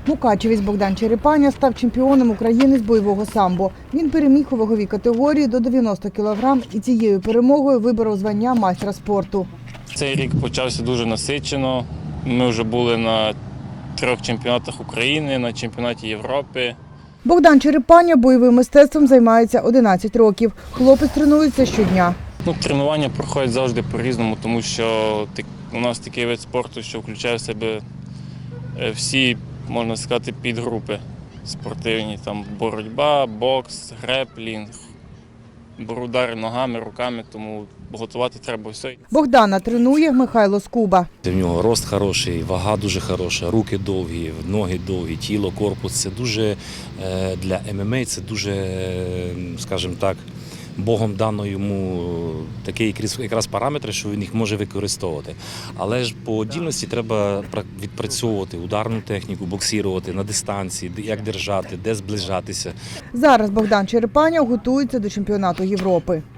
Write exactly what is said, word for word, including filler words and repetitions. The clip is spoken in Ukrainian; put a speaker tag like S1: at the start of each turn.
S1: Мукачевець Богдан Черепаня став чемпіоном України з бойового самбо. Він переміг у ваговій категорії до дев'яноста кілограм і цією перемогою виборов звання майстра спорту.
S2: Цей рік почався дуже насичено. Ми вже були на трьох чемпіонатах України, на чемпіонаті Європи.
S1: Богдан Черепаня бойовим мистецтвом займається одинадцять років. Хлопець тренується щодня.
S2: Ну, тренування проходять завжди по-різному, тому що у нас такий вид спорту, що включає в себе всі, можна сказати, підгрупи спортивні. Там боротьба, бокс, греплінг, удари ногами, руками, тому готувати треба все.
S1: Богдана тренує Михайло Скуба.
S3: В нього рост хороший, вага дуже хороша, руки довгі, ноги довгі, тіло, корпус. Це дуже для ем ем а, це дуже, скажімо так, Богом дано йому такі якраз параметри, що він їх може використовувати. Але ж по дільності треба відпрацьовувати ударну техніку, боксувати на дистанції, як держати, де зближатися.
S1: Зараз Богдан Черепаня готується до чемпіонату Європи.